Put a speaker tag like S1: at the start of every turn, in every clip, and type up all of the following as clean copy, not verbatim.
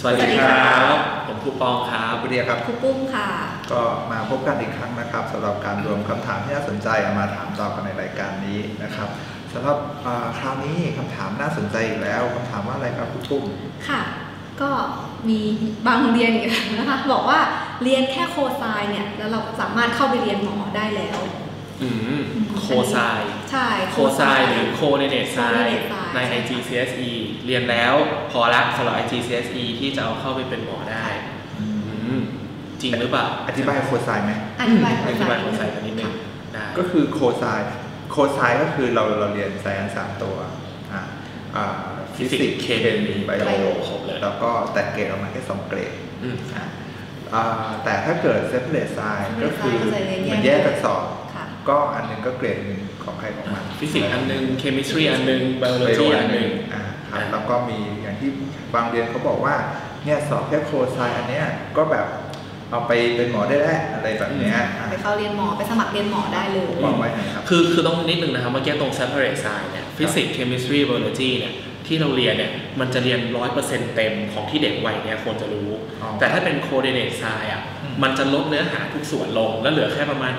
S1: สวัสดีครับผมครูปองครับ
S2: ครูเดียครับ
S3: ครูปุ้มค่ะ
S2: ก็มาพบกันอีกครั้งนะครับสำหรับการรวมคำถามที่น่าสนใจเอามาถามตอบกันในรายการนี้นะครับสำหรับคราวนี้คำถามน่าสนใจอีกแล้วคำถามว่าอะไรครับครูปุ้ม
S3: ค่ะก็มีบางเรียนอีกนะคะบอกว่าเรียนแค่โคไซน์เนี่ยแล้วเราสามารถเข้าไปเรียนหมอได้แล้ว
S1: โคไซน์
S3: ใช่
S1: โคไซน์หรือโคเดเนตไซน์ใน IGCSE เรียนแล้วพอละสำหรับ IGCSE ที่จะเอาเข้าไปเป็นหมอได้จริงหรือเปล่า
S2: อธิบายโคไซน์ไหม
S3: อธิบาย
S1: โคไซน์กันนิดนึงได้
S2: ก็คือโคไซน์ก็คือเราเรียนไซแอนซ์3ตัวฟิสิกส์เคมีไบโอแล้วก็แต่เกรดออกมาแค่2เกรดแต่ถ้าเกิดเซปเรตไซน์ก็คือมันแยกกันสอบก็อันนึงก็เกรดหนึ่งของใครของมัน
S1: ฟิสิกส์อันนึงเคมิสตรีอันนึงไบโอโลจีอันนึง
S2: ครับแล้วก็มีอย่างที่บางเรียนเขาบอกว่าเนี่ยสอบแค่โคไซน์อันเนี้ยก็แบบเอาไปเป็นหมอได้แล้วอะไรแบบเนี้ย
S3: ไปเข้าเรียนหมอไปสมัครเรียนหมอได้เลย
S2: บอกไว้ครับ
S1: คือต้องนิดนึงนะครับเมื่อกี้ตรง separate science เนี่ยฟิสิกส์เคมิสตรีไบโอโลจีเนี่ยที่เราเรียนเนี่ยมันจะเรียน 100% เต็มของที่เด็กวัยเนี่ยควรจะรู้แต่ถ้าเป็น coordinate science มันจะลดเนื้อหาทุกส่วนลงแล้วเหลือแค่ประมาณ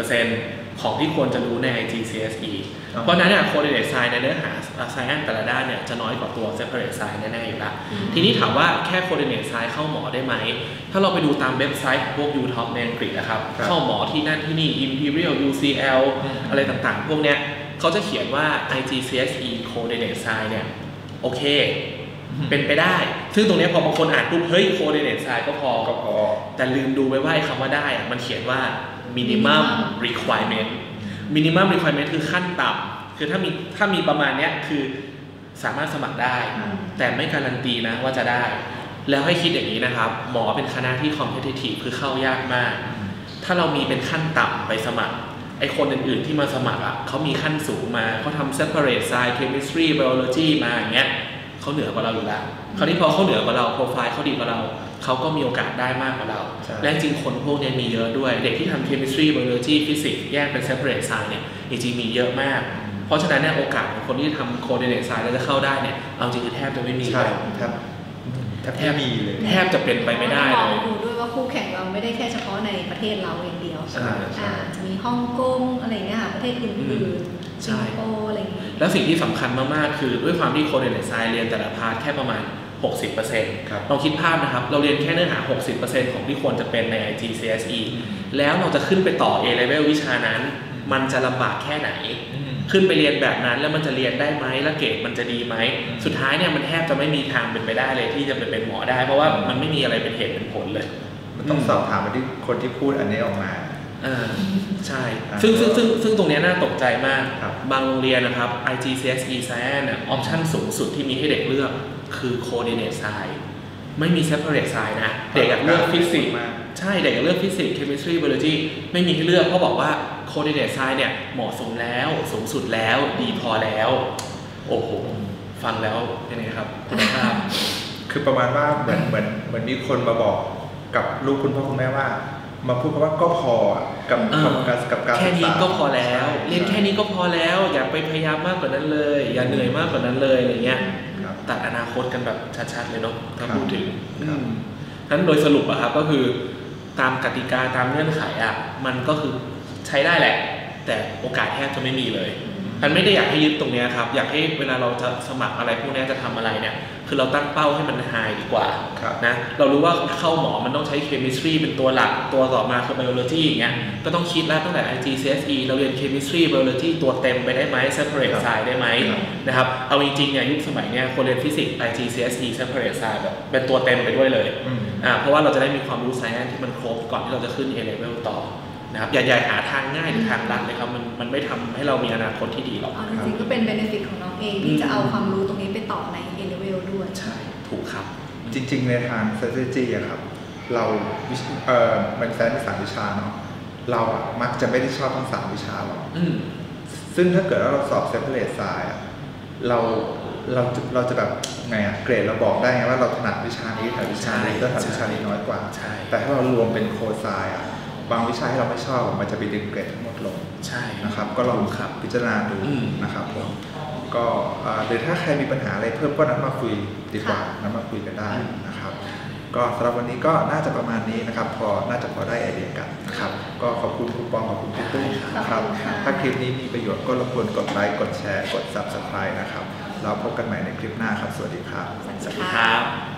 S1: 60% ของที่ควรจะรู้ใน IGCSE เพราะนั้นเนี่ย coordinate science ในเนื้อหา science แต่ละด้านเนี่ยจะน้อยกว่าตัว separate science แน่ๆอยู่ละทีนี้ถามว่าแค่ coordinate science เข้าหมอได้ไหมถ้าเราไปดูตามเว็บไซต์พวก UTop ในอังกฤษนะครับเข้าหมอที่นั่นที่นี่ Imperial UCL อะไรต่างๆพวกเนี้ยเขาจะเขียนว่า IGCSE coordinate science เนี่ยโอเคเป็นไปได้ซึ่งตรงนี้พอบางคนอ่านปุ๊บเฮ้ย coordinate science ก็พอแต่ลืมดูไปว่าคำว่าได้มันเขียนว่า minimum requirement คือขั้นต่ำคือถ้ามีประมาณเนี้ยคือสามารถสมัครได้แต่ไม่การันตีนะว่าจะได้แล้วให้คิดอย่างนี้นะครับหมอเป็นคณะที่ competitive คือเข้ายากมากถ้าเรามีเป็นขั้นต่ำไปสมัครไอคนอื่นๆที่มาสมัครเขามีขั้นสูงมาเขาทำ separate science chemistry biology มาอย่างเงี้ยเขาเหนือกว่าเราอยู่แล้วคราวนี้พอเขาเหนือกว่าเราโปรไฟล์เขาดีกว่าเราเขาก็มีโอกาสได้มากกว่าเราและจริงคนพวกนี้มีเยอะด้วยเด็กที่ทำ chemistry biology physics แยกเป็น separate science เนี่ยจริงๆมีเยอะมากเพราะฉะนั้นเนี่ยโอกาสของคนที่ทำ coordinate science แล้วจะเข้าได้เนี่ยเอาจริงๆแทบจะไม่มีเลย
S2: แทบมีเลย
S1: แทบจะเป็นไปไม่ได้เลย
S3: ดูด้วยว่าคู่แข่งเราไม่ได้แค่เฉพาะในประเทศเราอย่างเดียวจะมีฮ่องกงอะไรเงี้ยค่ะประเทศอื่นๆสิงคโปร์อะไรอย่างเงี้ย
S1: แล้วสิ่งที่สำคัญมากๆคือด้วยความที่coordinate scienceเรียนแต่ละพาร์ทแค่ประมาณ60%ลองคิดภาพนะครับเราเรียนแค่เนื้อหา 60% ของที่ควรจะเป็นใน IGCSE แล้วเราจะขึ้นไปต่อ A level วิชานั้นมันจะลำบากแค่ไหนขึ้นไปเรียนแบบนั้นแล้วมันจะเรียนได้ไหมแล้วเกรดมันจะดีไหมสุดท้ายเนี่ยมันแทบจะไม่มีทางเป็นไปได้เลยที่จะเป็นหมอได้เพราะว่ามันไม่มีอะไรเป็นเหตุเป็นผลเลย
S2: มันต้องสอบถามไปที่คนที่พูดอันนี้ออกมา
S1: ใช่ซึ่งตรงนี้น่าตกใจมากบางโรงเรียนนะครับ IGCSE Science เนี่ยออปชั่นสูงสุดที่มีให้เด็กเลือกคือ coordinate science ไม่มี separate science นะเด็กเลือกฟิสิกส์ใช่เด็กเลือกฟิสิกส์ chemistry biology ไม่มีให้เลือกเพราะบอกว่า coordinate science เนี่ยเหมาะสมแล้วสูงสุดแล้วดีพอแล้วโอ้โหฟังแล้วเป็นไงครับคุณภาพ
S2: คือประมาณว่าเหมือนมีคนมาบอกกับลูกคุณพ่อคุณแม่ว่ามาพูดว่าก็พอกับการ
S1: แค่นี้ก็พอแล้วเรียนแค่นี้ก็พอแล้วอย่าไปพยายามมากกว่านั้นเลยอย่าเหนื่อยมากกว่านั้นเลยอะไรเงี้ยตัดอนาคตกันแบบชัดๆเลยเนาะถ้าพูดถึงนั้นโดยสรุปอะครับก็คือตามกติกาตามเงื่อนไขอะมันก็คือใช้ได้แหละแต่โอกาสแทบจะไม่มีเลยมันไม่ได้อยากให้ยึดตรงนี้ครับอยากให้เวลาเราจะสมัครอะไรพวกนี้จะทำอะไรเนี่ยคือเราตั้งเป้าให้มันไฮดีกว่านะเรารู้ว่าเข้าหมอมันต้องใช้เคมิสตรีเป็นตัวหลักตัวต่อมาคือไบโอโลจีอย่างเงี้ยก็ต้องคิดแล้วตั้งแต่ IGCSE เราเรียนเคมิสตรีไบโอโลจีตัวเต็มไปได้ไหม separate science ได้ไหมนะครับเอาจริงๆเนี่ยยุคสมัยเนี้ยคนเรียนฟิสิกส์ IGCSE separate science แบบเป็นตัวเต็มไปด้วยเลยเพราะว่าเราจะได้มีความรู้ science ที่มันครบก่อนที่เราจะขึ้น A level ต่อนะครับอย่าหาทางง่ายหรือทางลัดเลยครับมันไม่ทำให้เรามีอนาคตที่ดีหรอก
S3: จริงๆก็เป็น benefit ของน้องเองที่จะเอาความรู้ตรงนี้ไปต่อใน A level ด้วย
S1: ใช่ถูกครับ
S2: จริงๆในทาง strategy อะครับเรามันแซนเป็น3วิชาเนาะเราอะมักจะไม่ได้ชอบทั้ง3วิชาหรอกซึ่งถ้าเกิดว่าเราสอบ separate science อะเราจะแบบไงอะเกรดเราบอกได้ไงว่าเราถนัดวิชานี้แต่วิชานี้ก็ถนัดวิชานี้น้อยกว่าแต่ถ้าเรารวมเป็นโคไซน์อะบางวิชาที่เราไม่ชอบมันจะไปดึงเกรดทั้งหมดลง
S1: ใช่
S2: นะครับก็ลองพิจารณาดูนะครับผมก็หรือถ้าใครมีปัญหาอะไรเพิ่มก็นัดมาคุยดีกว่านัดมาคุยกันได้นะครับนะครับก็สำหรับวันนี้ก็น่าจะประมาณนี้นะครับน่าจะพอได้ไอเดียกันนะครับก็ขอบคุณคุณปองขอบคุณพี่ตุ้ยนะครับถ้าคลิปนี้มีประโยชน์ก็รบกวนกดไลค์กดแชร์กด Subscribe นะครับเราพบกันใหม่ในคลิปหน้าครับสวัสดีครับ
S3: สวัสดี
S1: สวัสดี
S3: ค่ะ
S1: ครับ